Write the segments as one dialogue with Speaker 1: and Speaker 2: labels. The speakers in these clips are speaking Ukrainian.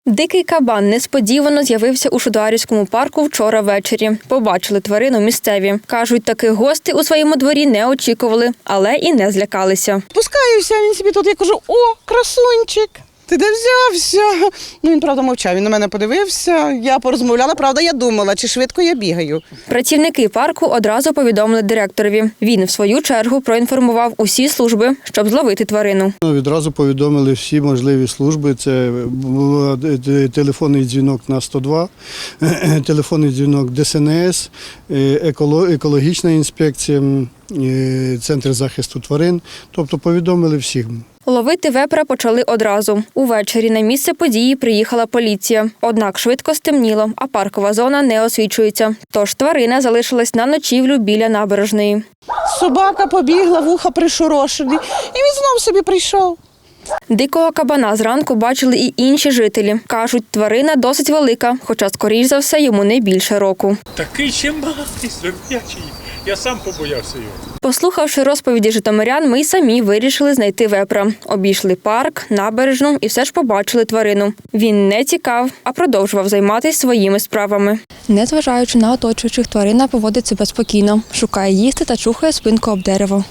Speaker 1: Дикий кабан несподівано з'явився у Шудоарівському парку вчора ввечері. Побачили тварину місцеві. Кажуть, таких гостей у своєму дворі не очікували, але і не злякалися.
Speaker 2: Пускаюся, він собі тут, я кажу, о, красунчик, ти де взявся? Ну, він, правда, мовчав, він на мене подивився, я порозмовляла, правда, я думала, чи швидко я бігаю.
Speaker 1: Працівники парку одразу повідомили директорові. Він, в свою чергу, проінформував усі служби, щоб зловити тварину.
Speaker 3: Відразу повідомили всі можливі служби. Це був телефонний дзвінок на 102, телефонний дзвінок ДСНС, екологічна інспекція, Центр захисту тварин. Тобто повідомили всіх.
Speaker 1: Ловити вепра почали одразу. Увечері на місце події приїхала поліція. Однак швидко стемніло, а паркова зона не освітлюється. Тож тварина залишилась на ночівлю біля набережної.
Speaker 2: Собака побігла, вуха пришорошені, і він знов собі прийшов.
Speaker 1: Дикого кабана зранку бачили і інші жителі. Кажуть, тварина досить велика, хоча, скоріш за все, йому не більше року.
Speaker 4: Такий чимбатий, здоров'ячий. Я сам побоявся його.
Speaker 1: Послухавши розповіді житомирян, ми й самі вирішили знайти вепра. Обійшли парк, набережну і все ж побачили тварину. Він не тікав, а продовжував займатися своїми справами. Незважаючи на оточуючих, тварина поводить себе спокійно, шукає їсти та чухає спинку об дерево.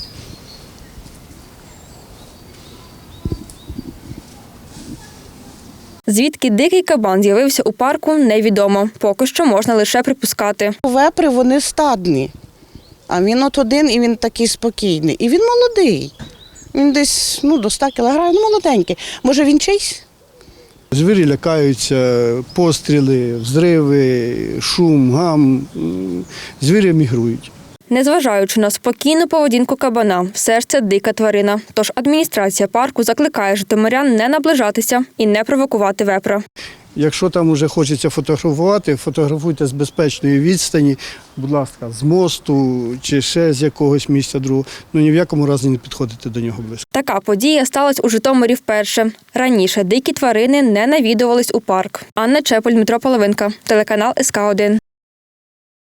Speaker 1: Звідки дикий кабан з'явився у парку, невідомо. Поки що можна лише припускати.
Speaker 2: Вепри, вони стадні, а він от один, і він такий спокійний. І він молодий. Він десь до 100 кілограмів, молоденький. Може, він чийсь?
Speaker 3: Звірі лякаються, постріли, взриви, шум, гам. Звірі мігрують.
Speaker 1: Незважаючи на спокійну поведінку кабана, все ж це дика тварина. Тож адміністрація парку закликає житомирян не наближатися і не провокувати вепра.
Speaker 3: Якщо там вже хочеться фотографувати, фотографуйте з безпечної відстані, будь ласка, з мосту чи ще з якогось місця другого. Ні в якому разі не підходите до нього близько.
Speaker 1: Така подія сталася у Житомирі вперше. Раніше дикі тварини не навідувались у парк. Анна Чепель, Дмитро Половинка, телеканал СК1.